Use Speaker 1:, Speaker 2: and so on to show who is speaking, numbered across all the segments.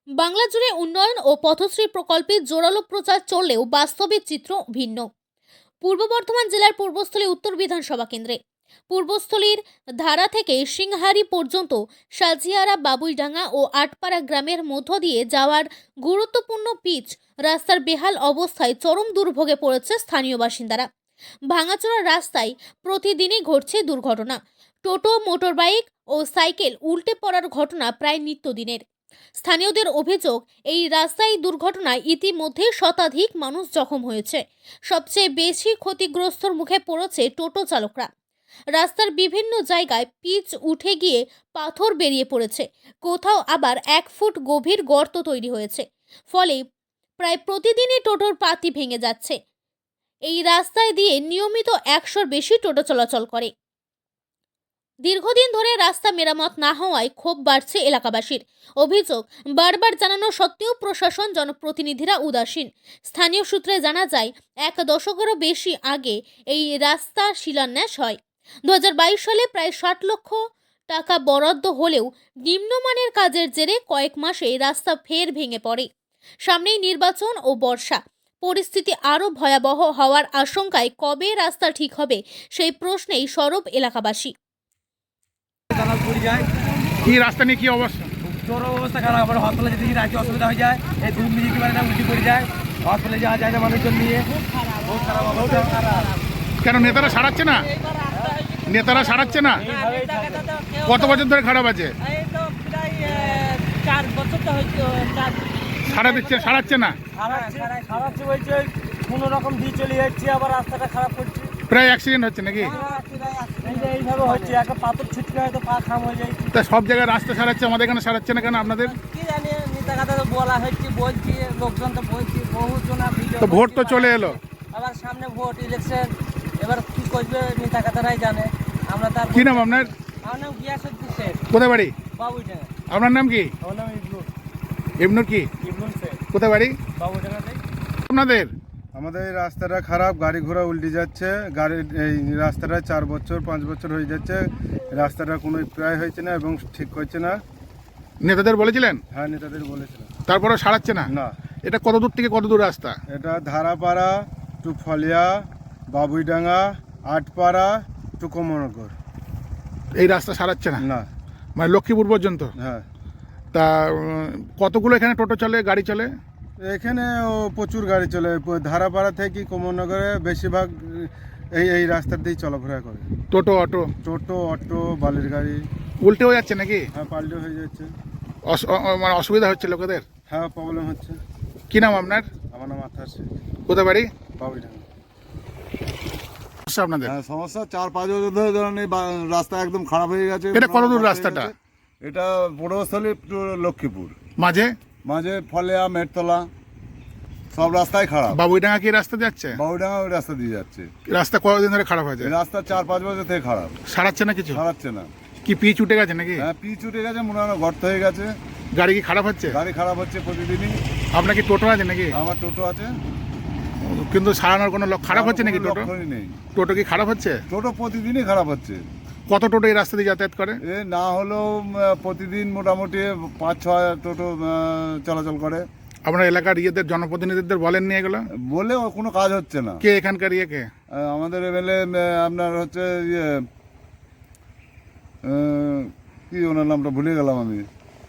Speaker 1: বাংলা জুড়ে উন্নয়ন ও পথশ্রী প্রকল্পের জোরালো প্রচার চললেও বাস্তবিক চিত্র ভিন্ন। পূর্ব বর্ধমান জেলার পূর্বস্থলী উত্তর বিধানসভা কেন্দ্রে পূর্বস্থলীর ধারা থেকে সিংহারি পর্যন্ত সাজিয়ারা, বাবুইডাঙ্গা ও আটপাড়া গ্রামের মধ্য দিয়ে যাওয়ার গুরুত্বপূর্ণ পিচ রাস্তার বেহাল অবস্থায় চরম দুর্ভোগে পড়েছে স্থানীয় বাসিন্দারা। ভাঙাচোরা রাস্তায় প্রতিদিনই ঘটছে দুর্ঘটনা। টোটো, মোটরবাইক ও সাইকেল উল্টে পড়ার ঘটনা প্রায় নিত্যদিনের। স্থানীয়দের অভিযোগ, এই রাস্তায় দুর্ঘটনায় ইতিমধ্যে শতাধিক মানুষ জখম হয়েছে। সবচেয়ে বেশি ক্ষতিগ্রস্তর মুখে পড়েছে টোটো চালকরা। রাস্তার বিভিন্ন জায়গায় পিচ উঠে গিয়ে পাথর বেরিয়ে পড়েছে, কোথাও আবার 1 ফুট গভীর গর্ত তৈরি হয়েছে। ফলে প্রায় প্রতিদিনই টোটোর পাতি ভেঙে যাচ্ছে। এই রাস্তায় দিয়ে নিয়মিত 100-র বেশি টোটো চলাচল করে। দীর্ঘদিন ধরে রাস্তা মেরামত না হওয়ায় ক্ষোভ বাড়ছে এলাকাবাসীর। অভিযোগ, বারবার জানানো সত্ত্বেও প্রশাসন, জনপ্রতিনিধিরা উদাসীন। স্থানীয় সূত্রে জানা যায়, 1 দশকেরও বেশি আগে এই রাস্তা শিলান্যাস হয়। 2022 সালে প্রায় 60 লক্ষ টাকা বরাদ্দ হলেও নিম্নমানের কাজের জেরে কয়েক মাসে রাস্তা ফের ভেঙে পড়ে। সামনেই নির্বাচন ও বর্ষা, পরিস্থিতি আরও ভয়াবহ হওয়ার আশঙ্কায় কবে রাস্তা ঠিক হবে সেই প্রশ্নেই সরব এলাকাবাসী।
Speaker 2: কি রাস্তা নিয়ে কি অবস্থা?
Speaker 3: চরম অবস্থা খারাপ। আমার হসপিটালে যেতে রাতে অসুবিধা হয়ে যায়, এই ধূপ নিতে পারে না, উল্টি পড়ে যায়। হসপিটালে যাওয়া যায় না মানুষজন নিয়ে, বহুত খারাপ অবস্থা।
Speaker 2: কেন নেতারা সারাচ্ছে না? নেতারা সারাচ্ছে না? কত বছর ধরে খারাপ আছে? সারাচ্ছে না?
Speaker 3: সারাচ্ছে বলছে, কোনো রকম দিয়ে চলে যাচ্ছে, আবার রাস্তাটা খারাপ করছে।
Speaker 2: প্রায় অ্যাক্সিডেন্ট হচ্ছে নাকি?
Speaker 3: এইভাবে হচ্ছে, একটা পাথর ছিটকে হয়তো পা খাম হয়ে যায়।
Speaker 2: তা সব জায়গায় রাস্তা সারাচ্ছে, আমাদের এখানে সারাচ্ছে না কেন আপনাদের?
Speaker 3: কি জানি, নেতা কথা তো বলা হচ্ছে, বলছি, লোকজন তো বলছি, বহুজন।
Speaker 2: তো ভোট তো চলে এলো,
Speaker 3: আবার সামনে ভোট, ইলেকশন, এবার কি করবে নেতা কথারাই জানে। আমরা তার
Speaker 2: কি নাম আপনার?
Speaker 3: আমার নাম গিয়াসউদ্দিন শেখ,
Speaker 2: কোথায় বাড়ি?
Speaker 3: বাবুইডাঙ্গা।
Speaker 2: আপনার নাম কি?
Speaker 3: আমার নাম ইবনুল।
Speaker 2: ইবনুর কি?
Speaker 3: ইবনুল শেখ,
Speaker 2: কোথায় বাড়ি
Speaker 3: বাবুইডাঙ্গাতে।
Speaker 2: আপনাদের?
Speaker 4: আমাদের এই রাস্তাটা খারাপ, গাড়ি ঘোড়া উল্টে যাচ্ছে। এই রাস্তাটা 4 বছর 5 বছর হয়ে যাচ্ছে, রাস্তাটা কোনো প্রায় হয়েছে না এবং ঠিক হচ্ছে না।
Speaker 2: নেতাদের বলেছিলেন?
Speaker 4: হ্যাঁ, নেতাদের বলেছিলাম,
Speaker 2: তারপরে সারাচ্ছে না?
Speaker 4: না।
Speaker 2: এটা কত দূর থেকে কত দূর রাস্তা?
Speaker 4: এটা ধারাপাড়া টু ফলিয়া, বাবুইডাঙ্গা, আটপাড়া টু কমলনগর।
Speaker 2: এই রাস্তা সারাচ্ছে না?
Speaker 4: না।
Speaker 2: মানে লক্ষ্মীপুর পর্যন্ত?
Speaker 4: হ্যাঁ।
Speaker 2: তা কতগুলো এখানে টোটো চলে, গাড়ি চলে?
Speaker 4: এখানে প্রচুর গাড়ি চলে, ধারাপাড়া থেকে কমলনগরে বেশিরভাগ এই রাস্তার দিয়েই চলাফেরা করে।
Speaker 2: টোটো, অটো?
Speaker 4: টোটো, অটো, বালির গাড়ি।
Speaker 2: উল্টে হয়ে যাচ্ছে নাকি?
Speaker 4: হ্যাঁ, পাল্টে হয়ে যাচ্ছে।
Speaker 2: মানে অসুবিধা হচ্ছে লোকেদের?
Speaker 4: হ্যাঁ, প্রবলেম হচ্ছে।
Speaker 2: কি নাম আপনার?
Speaker 4: আমার নাম আথার শেখ,
Speaker 2: কোথায় বাড়ি?
Speaker 4: বাবুইডাঙ্গা।
Speaker 2: সমস্যা আপনাদের?
Speaker 5: হ্যাঁ, সমস্যা 4-5 বছর ধরে ধরেন এই রাস্তা একদম খারাপ হয়ে গেছে।
Speaker 2: এটা কত দূর রাস্তাটা?
Speaker 5: এটা পূর্বস্থলী টু লক্ষ্মীপুর,
Speaker 2: মাঝে
Speaker 5: মাঝে ফলেয়া, মেটতলা, সব রাস্তাই খারাপ।
Speaker 2: বাবুইডাঙ্গা কি রাস্তা যাচ্ছে?
Speaker 5: বাবুডাঙ্গা ওই রাস্তা দিয়ে যাচ্ছে।
Speaker 2: রাস্তা কতদিন ধরে খারাপ হয়েছে?
Speaker 5: এই রাস্তা 4-5 বছর থেকে খারাপ,
Speaker 2: সারাচ্ছে না কিছু?
Speaker 5: সারাচ্ছে না।
Speaker 2: কি পিচ উঠে গেছে নাকি?
Speaker 5: হ্যাঁ, পিচ উঠে গেছে, মনে হয় গর্ত হয়ে গেছে।
Speaker 2: গাড়ি কি খারাপ হচ্ছে?
Speaker 5: গাড়ি খারাপ হচ্ছে প্রতিদিনই।
Speaker 2: আপনার কি টোটো আছে নাকি?
Speaker 5: আমার টোটো আছে,
Speaker 2: কিন্তু সারানোর কোনো খারাপ হচ্ছে নাকি?
Speaker 5: কোনো
Speaker 2: টোটো
Speaker 5: লক্ষণই নেই।
Speaker 2: টোটো কি খারাপ হচ্ছে?
Speaker 5: টোটো প্রতিদিনই খারাপ হচ্ছে।
Speaker 2: কত টোটো এই রাস্তা দিয়ে যাতায়াত করে?
Speaker 5: এ না হলেও প্রতিদিন মোটামুটি 5-6 টোটো চলাচল করে।
Speaker 2: আপনার এলাকার ইয়েদের, জনপ্রতিনিধিদের বলেন নিয়ে গেল?
Speaker 5: বলেও কোনো কাজ হচ্ছে না।
Speaker 2: কে এখানকার ইয়ে কে?
Speaker 5: আমাদের এমএলএ আপনার হচ্ছে ইয়ে, কি ওনার নামটা ভুলে গেলাম আমি।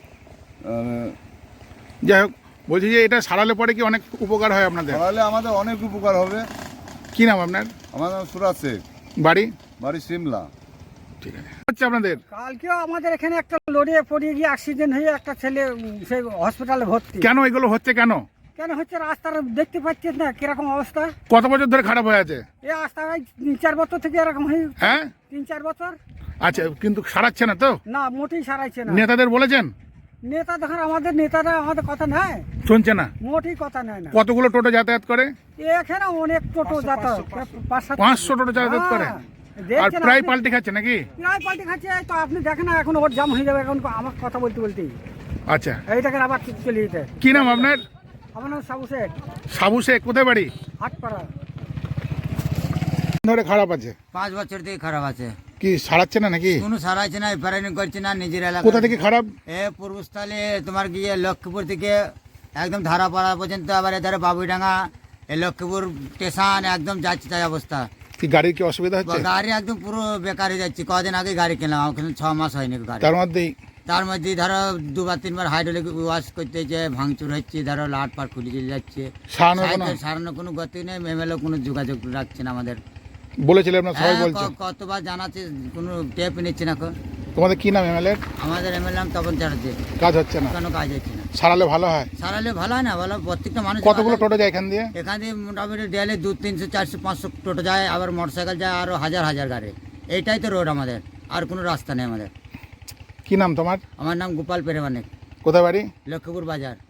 Speaker 2: যাই হোক, বলছি যে এটা সারালে পরে কি অনেক উপকার হয় আপনাদের?
Speaker 5: তাহলে আমাদের অনেক উপকার হবে।
Speaker 2: কি নাম আপনার?
Speaker 5: আমার নাম সুরাজ শেখ,
Speaker 2: বাড়ি?
Speaker 5: বাড়ি সিমলা।
Speaker 2: ঠিক আছে। হচ্ছে আপনাদের?
Speaker 6: কালকেও আমাদের এখানে একটা লড়ে পড়ে গিয়ে অ্যাক্সিডেন্ট হয়ে একটা ছেলে সেই হসপিটালে ভর্তি।
Speaker 2: কেন এগুলো হচ্ছে কেন?
Speaker 6: কেন হচ্ছে? রাস্তার দেখতে পাচ্ছেন না কিরকম অবস্থা?
Speaker 2: কত বছর ধরে খারাপ হয়ে আছে?
Speaker 6: এই রাস্তা 3-4 বছর থেকে এরকম হয়ে,
Speaker 2: হ্যাঁ,
Speaker 6: 3-4 বছর।
Speaker 2: আচ্ছা, কিন্তু সারাচ্ছে না তো?
Speaker 6: না, মোটেই সারাইছে না।
Speaker 2: নেতাদের বলেছেন?
Speaker 6: নেতা দেখেন, আমাদের নেতারা আমাদের কথা নেয়,
Speaker 2: শুনছে না?
Speaker 6: মোটেই কথা নেয় না।
Speaker 2: কতগুলো টোটো যাতায়াত করে?
Speaker 6: এখানে অনেক টোটো যাতায়াত,
Speaker 2: 500 টোটো যাতায়াত করে। আর প্রায় পাল্টে খাচ্ছে নাকি?
Speaker 6: প্রায় পাল্টে খাচ্ছে। তো আপনি দেখেন না, এখন ওর জাম হয়ে যাবে এখন আমার কথা বলতে বলতেই।
Speaker 2: আচ্ছা,
Speaker 6: এইটাকে আবার চলে যেতে।
Speaker 2: কি নাম আপনার?
Speaker 6: আমার নাম সাবু শেখ,
Speaker 2: সাবু শেখ, কোথায় বাড়ি?
Speaker 6: আটপাড়া।
Speaker 2: ধরে খারাপ আছে?
Speaker 7: 5 বছর থেকে খারাপ আছে।
Speaker 2: কি সারাচ্ছে না নাকি?
Speaker 7: কোনো সারাইছে না, রিপেয়ারিং করছে না নিজের এলাকা।
Speaker 2: কোথা থেকে খারাপ?
Speaker 7: এ পূর্বস্থলে তোমার গিয়ে লক্ষ্মীপুর থেকে একদম ধারাপাড়া পর্যন্ত, আবার এধারে বাবুইডাঙ্গা, এই লক্ষ্মীপুর স্টেশন একদম যাচ্ছে তাই অবস্থা।
Speaker 2: কি গাড়ির কি অসুবিধা হচ্ছে?
Speaker 7: গাড়ি একদম পুরো বেকার হয়ে যাচ্ছে। কদিন আগে গাড়ি কিনলাম, ওখানে 6 মাস হয়নি গাড়ি।
Speaker 2: তার মধ্যেই
Speaker 7: তার মধ্যে ধরো 2-3 বার হাইড্রোলিক ওয়াশ করতে যে ভাঙচুর হচ্ছে, ধরো লাট পাট খুলে চলে যাচ্ছে।
Speaker 2: সারানোর কোনো
Speaker 7: সাইকেল সারানোর কোনো গতি নেই, এমএলএ কোনো যোগাযোগ রাখছে না আমাদের।
Speaker 2: বলেছিলেন আপনার সবাই
Speaker 7: হ্যাঁ,
Speaker 2: বলছে?
Speaker 7: কতবার জানাচ্ছে, কোনো টেপ নিচ্ছে না এখন।
Speaker 2: তোমাদের কি নাম এমএলএ?
Speaker 7: আমাদের এমএলএ নাম তপন চ্যাটার্জি।
Speaker 2: কাজ হচ্ছে না?
Speaker 7: কোনো কাজ হচ্ছে না।
Speaker 2: সারালে ভালো হয়।
Speaker 7: সারালে ভালো হয় না, ভালো প্রত্যেকটা মানুষ।
Speaker 2: কতগুলো টোটো যায় এখান দিয়ে?
Speaker 7: এখান দিয়ে মোটামুটি ডেলি 200, 300, 400, 500 টোটো যায়, আবার মোটরসাইকেল যায়, আরও হাজার হাজার গাড়ি। এইটাই তো রোড আমাদের, আর কোনো রাস্তা নেই আমাদের।
Speaker 2: কি নাম তোমার?
Speaker 7: আমার নাম গোপাল পেরেমানিক,
Speaker 2: কোথায় বাড়ি?
Speaker 7: লক্ষ্মীপুর বাজার।